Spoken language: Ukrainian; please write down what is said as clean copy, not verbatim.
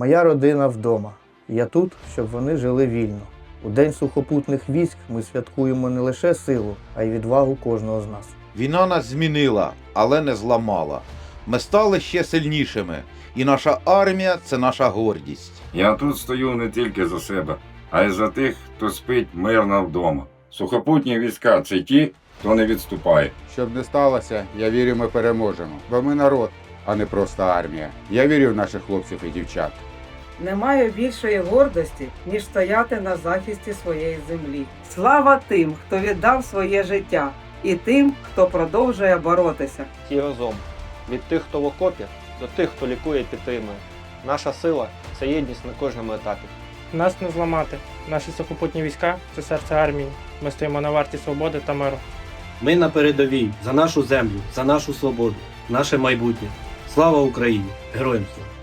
Моя родина вдома. Я тут, щоб вони жили вільно. У День сухопутних військ ми святкуємо не лише силу, а й відвагу кожного з нас. Війна нас змінила, але не зламала. Ми стали ще сильнішими, і наша армія – це наша гордість. Я тут стою не тільки за себе, а й за тих, хто спить мирно вдома. Сухопутні війська – це ті, хто не відступає. Щоб не сталося, я вірю, ми переможемо. Бо ми народ, а не просто армія. Я вірю в наших хлопців і дівчат. Немає більшої гордості, ніж стояти на захисті своєї землі. Слава тим, хто віддав своє життя, і тим, хто продовжує боротися. І разом. Від тих, хто в окопі, до тих, хто лікує і підтримує. Наша сила – це єдність на кожному етапі. Нас не зламати. Наші сухопутні війська – це серце армії. Ми стоїмо на варті свободи та миру. Ми на передовій за нашу землю, за нашу свободу, наше майбутнє. Слава Україні! Героям слава!